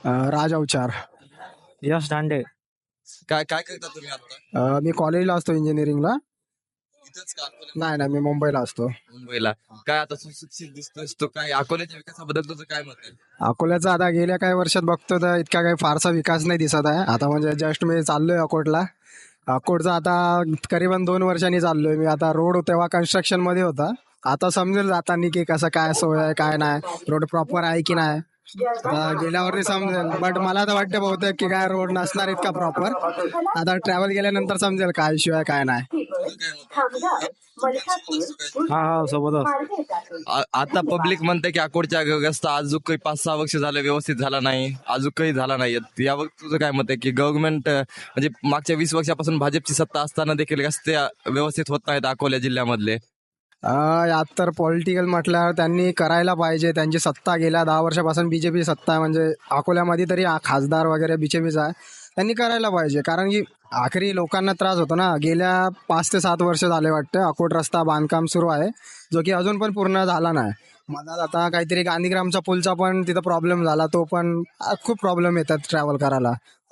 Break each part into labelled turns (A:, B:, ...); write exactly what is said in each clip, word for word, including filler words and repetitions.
A: अ, राज अवचार.
B: यश दांडे.
C: काय काय करता तुम्ही आता?
A: अ, मी कॉलेजला असतो इंजिनिअरिंगला.
C: इथंच का अकोल्यात?
A: नाही नाही, मी मुंबईला असतो.
C: मुंबईला. काय आता सुशिक्षित दिसतोस तो, काय अकोल्याच्या विकासाबद्दल तुझं काय मत आहे?
A: अकोल्याचा आता गेल्या काही वर्षात बघतो तर इतका काही फारसा विकास नाही दिसत आहे. आता म्हणजे जस्ट मी चाललोय अकोटला. अकोटचा आता करीबन दोन वर्षांनी चाललोय मी. आता रोड तेव्हा कन्स्ट्रक्शन मध्ये होता. आता समजेल जातानी की कसं काय सोय आहे काय नाही, रोड प्रॉपर आहे की नाही. आता गेल्यावरती समजेल, बट मला तर वाटतं बहुतेक की काय रोड नसणार इतका प्रॉपर. आता ट्रॅव्हल केल्यानंतर समजेल काय इश्यू आहे काय नाही.
B: हा हा सोबतच.
C: आ- आता पब्लिक म्हणते की अकोटच्या रस्ता अजून काही पाच सहा वर्ष झालं व्यवस्थित झाला नाही, अजून काही झाला नाही. यावर तुझं काय मत आहे की गव्हर्नमेंट म्हणजे मागच्या वीस वर्षापासून भाजपची सत्ता असताना देखील रस्ते व्यवस्थित होत नाहीत अकोला जिल्ह्यामधले?
A: अं, यात तर पॉलिटिकल म्हटल्यावर त्यांनी करायला पाहिजे. त्यांची सत्ता गेल्या दहा वर्षापासून बीजेपी सत्ता आहे, म्हणजे अकोल्यामध्ये तरी आ- खासदार वगैरे बीजेपीचा आहे. त्यांनी करायला पाहिजे, कारण की आखरी लोकांना त्रास होतो ना. गेल्या पाच ते सात वर्ष झाले वाटतं अकोट रस्ता बांधकाम सुरू आहे, जो की अजून पण पूर्ण झाला नाही. मधात आता काहीतरी गांधीग्रामचा पुलचा पण तिथं प्रॉब्लेम झाला, तो पण आ, खूप प्रॉब्लेम येतात ट्रॅव्हल करायला.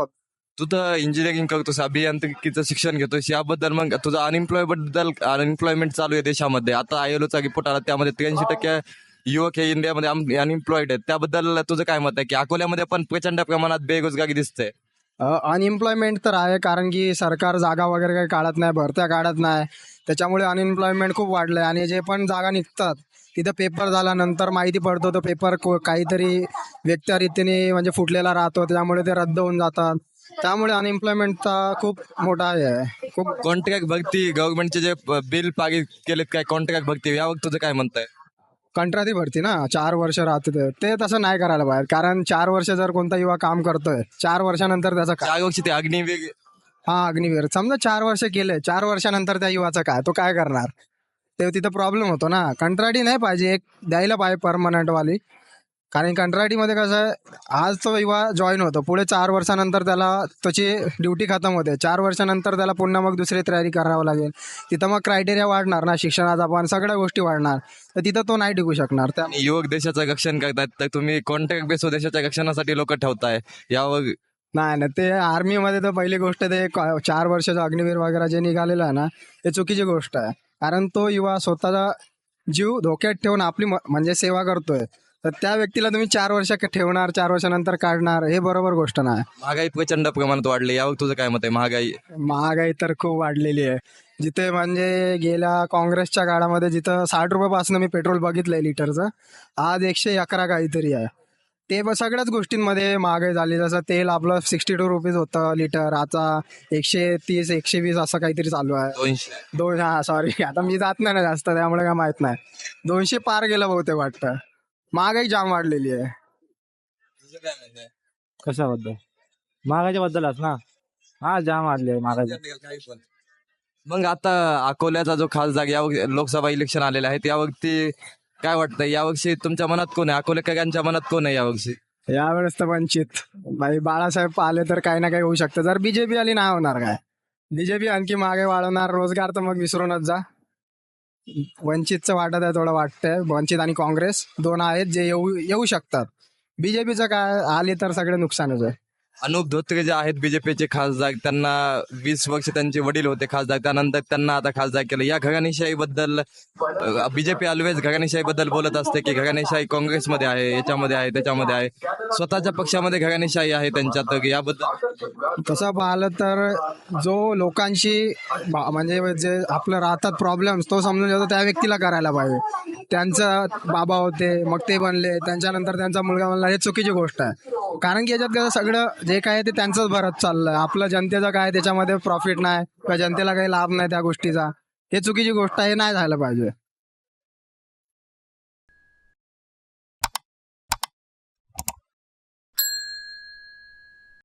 C: तू तर इंजिनिअरिंग करतोस, अभियांत्रिकीचं शिक्षण घेतोस, याबद्दल मग तुझं अनएम्प्लॉय बद्दल अनएम्प्लॉयमेंट चालू आहे देशामध्ये. आता आयएलओचा रिपोर्ट आला, त्यामध्ये त्र्याऐंशी टक्के युवक हे इंडियामध्ये अनएम्प्लॉईड आहेत. त्याबद्दल तुझं काय मत आहे की अकोल्यामध्ये पण प्रचंड प्रमाणात बेरोजगारी दिसते?
A: अनएम्प्लॉयमेंट तर आहे, कारण की सरकार जागा वगैरे काही काढत नाही, भरत्या काढत नाही. त्याच्यामुळे अनएम्प्लॉयमेंट खूप वाढलं आहे. आणि जे पण जागा निघतात तिथं पेपर झाल्यानंतर माहिती पडतो तो पेपर काहीतरी व्यक्तिरीतीने म्हणजे फुटलेला राहतो, त्यामुळे ते रद्द होऊन जातात. त्यामुळे अनएम्प्लॉयमेंटचा खूप मोठा हे आहे. खूप
C: कॉन्ट्रॅक्ट भरती गव्हर्नमेंटचे जे बिल पारित केलेत, काय कॉन्ट्रॅक्ट भरती, यावर तुझं काय म्हणताय?
A: कंत्राटी भरती ना, चार वर्ष राहते ते. ते तसं नाही करायला पाहिजे, कारण चार वर्ष जर कोणता युवा काम करतोय, चार वर्षानंतर त्याचं काय.
C: चार वर्षी ते अग्निवीर
A: हा, अग्निवीर समजा चार वर्ष केले, चार वर्षानंतर त्या युवाचं काय, तो काय करणार? ते तिथं प्रॉब्लेम होतो ना. कंत्राटी नाही पाहिजे, एक द्यायला पाहिजे परमनंट वाली. कारण कंत्राटीमध्ये कसं आहे, आज तो युवा जॉईन होतो, पुढे चार वर्षानंतर त्याला त्याची ड्युटी खतम होते. चार वर्षानंतर त्याला पुन्हा मग दुसरी तयारी करावं लागेल. तिथं मग क्रायटेरिया वाढणार ना, शिक्षणाचा पण सगळ्या गोष्टी वाढणार, तर तिथं तो नाही टिकू शकणार. त्या
C: युवक देशाचं रक्षण करतात, तर तुम्ही कॉन्ट्रॅक्ट बेस देशाच्या रक्षणासाठी लोक ठेवताय, यावर
A: नाही ना, ते आर्मीमध्ये तर पहिली गोष्ट ते क- चार वर्षाचं अग्निवीर वगैरे जे निघालेलं आहे ना, ते चुकीची गोष्ट आहे. कारण तो युवा स्वतःचा जीव धोक्यात ठेवून आपली म- म्हणजे सेवा करतोय, तर त्या व्यक्तीला तुम्ही चार वर्ष क- ठेवणार, चार वर्षानंतर काढणार, हे बरोबर गोष्ट नाही.
C: महागाई प्रचंड प्रमाणात वाढली, यावर तुझं काय मत आहे? महागाई
A: महागाई तर खूप वाढलेली आहे. जिथे म्हणजे गेल्या काँग्रेसच्या काळामध्ये जिथं साठ रुपयापासून मी पेट्रोल बघितलंय लिटरचं, आज एकशे अकरा काहीतरी आहे. ते ब- सगळ्याच गोष्टींमध्ये महागाई झाली. जसं तेल आपलं सिक्स्टी टू रुपीज होतं लिटर, आता एकशे तीस एकशे वीस असं काहीतरी चालू आहे.
C: दोनशे
A: दोन हा सॉरी, आता मी जात नाही ना जास्त, त्यामुळे काय माहित नाही. दोनशे पार गेलं बहुतेक वाटतं. महागाई जाम वाढलेली आहे.
C: तुझं काय मत आहे?
B: कशाबद्दल? महागाच्या बद्दलच ना. हा जाम वाढले महागाच्या.
C: काही पण. मग आता अकोल्याचा जो खासदार, या लोकसभा इलेक्शन आलेले आहेत, यावरती काय वाटतं? यावर्षी तुमच्या मनात कोण आहे? अकोलेकरांच्या मनात कोण आहे यावर्षी?
A: यावेळेस तर वंचित भाई बाळासाहेब आले तर काही ना काही होऊ शकतं. जर बीजेपी आली नाही होणार काय. बीजेपी आणखी मागे वाढवणार, रोजगार तर मग विसरूनच जा. वंचितचं वाटत आहे, थोडं वाटतंय. वंचित आणि काँग्रेस दोन आहेत जे येऊ येऊ शकतात. बीजेपीचं काय आली तर सगळे नुकसानच आहे.
C: अनुप धोत्रे जे आहेत बीजेपीचे खासदार, त्यांना वीस वर्ष त्यांचे वडील होते खासदार, त्यानंतर त्यांना आता खासदार केलं. या घराणेशाही बद्दल बीजेपी ऑलवेज घराणेशाही बद्दल बोलत असते की घराणेशाही काँग्रेसमध्ये आहे, याच्यामध्ये आहे, त्याच्यामध्ये आहे. स्वतःच्या पक्षामध्ये घराणेशाही आहे त्यांच्यात, तर याबद्दल
A: तसं पाहिलं तर जो लोकांशी बा- म्हणजे जे आपलं राहतात प्रॉब्लेम्स, तो समजून घेतो त्या व्यक्तीला करायला पाहिजे. त्यांचं बाबा होते, मग ते बनले, त्यांच्यानंतर त्यांचा मुलगा बनला, हे चुकीची गोष्ट आहे. कारण की याच्यात कसं सगळं जे काय आहे ते त्यांचंच भरत चाललंय. आपलं जनतेचं काय त्याच्यामध्ये प्रॉफिट नाही, किंवा जनतेला काही लाभ नाही त्या गोष्टीचा. हे चुकीची गोष्ट आहे, हे नाही झालं पाहिजे.